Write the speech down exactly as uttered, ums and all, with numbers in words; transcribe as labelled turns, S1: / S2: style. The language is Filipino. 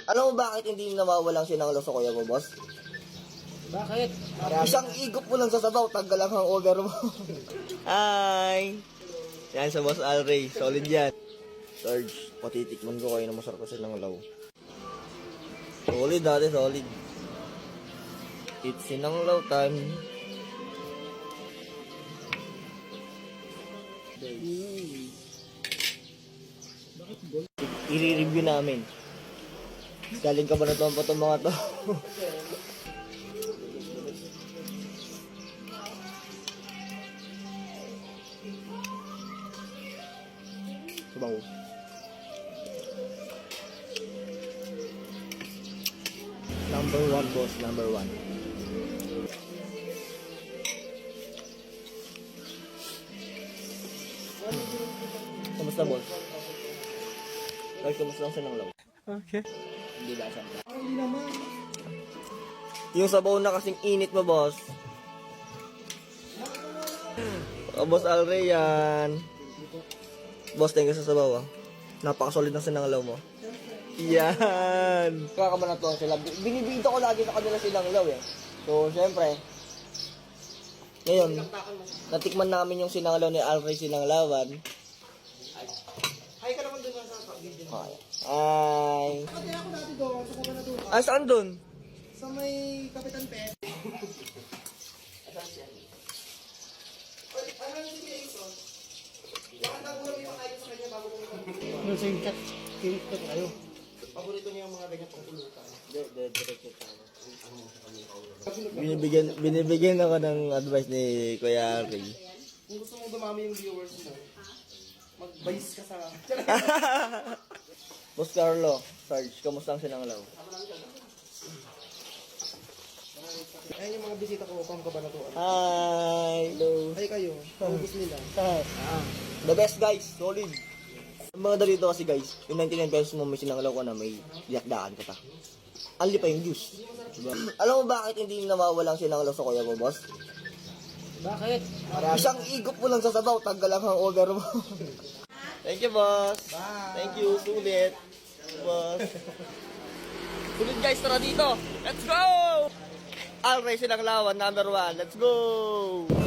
S1: Alam mo bakit hindi nawawalang sinanglaw sa kuya mo, boss?
S2: Bakit?
S1: Isang igop mo lang sa sabaw, tanggal ang hangover mo. Hi! Yan sa Boss Alray, solid yan. Sarge, patitikman ko kayo na masarap kasi ng law. Solid dati, solid. It's sinanglaw time. I-review namin. Galing ka ba na ito pa itong mga to? Sabaw. Number one, boss. Number one. Kamusta, boss? Ay, kamusta ang sinanglaw?
S2: Okay.
S1: Hindi ba siya?
S2: Hindi naman.
S1: Yung sabaw na kasing init mo, boss. Oh, boss Alray yan. Boss, thank you sa sabaw, ah. Napakasolid ng sinanglaw mo. Yan. Kakabanatuan sila. Binibida ko lagi sa kanila sinanglaw, eh. So, syempre, ngayon, natikman namin yung sinanglaw ni Alray Sinanglawan.
S2: Hi ka naman doon sa video.
S1: Hi. Hi.
S2: Pati ako dati doon, sa kuba na doon.
S1: Ah, saan dun?
S2: Sa may Kapitan Pet. Ano yung si Jason? Bakit na ko lang ipakain sa kanya bago kong ipakain? Ano sa yung chat? Kinik ko kayo. Paborito niya yung mga ganyan pang pulutan.
S1: Hindi, direct it ako. Binibigyan, binibigyan ako ng advice ni Kuya Ray.
S2: Kung gusto mong dumami yung viewers mo, mag-vice ka sa...
S1: Boss Carlo, Sarge, kamusta ang sinanglaw?
S2: Ayan yung mga bisita ko, kung kabanatuan.
S1: Hi! Hello!
S2: Ay kayo, ubus nila.
S1: Ah, the best guys, solid. Ang mga dito kasi guys, yung ninety-nine pesos mo may sinanglaw ka na may yakdaan ka pa. Anli pa yung juice. Diba? Alam mo bakit hindi nawawalang sinanglaw sa kuya mo, boss?
S2: Bakit?
S1: Isang igop mo lang sa sabaw, tanggal ang hangover mo. Thank you, boss.
S2: Bye.
S1: Thank you, sulit. Boss. Sulit guys, tara dito. Let's go! Alray Sinanglawan, number one. Let's go!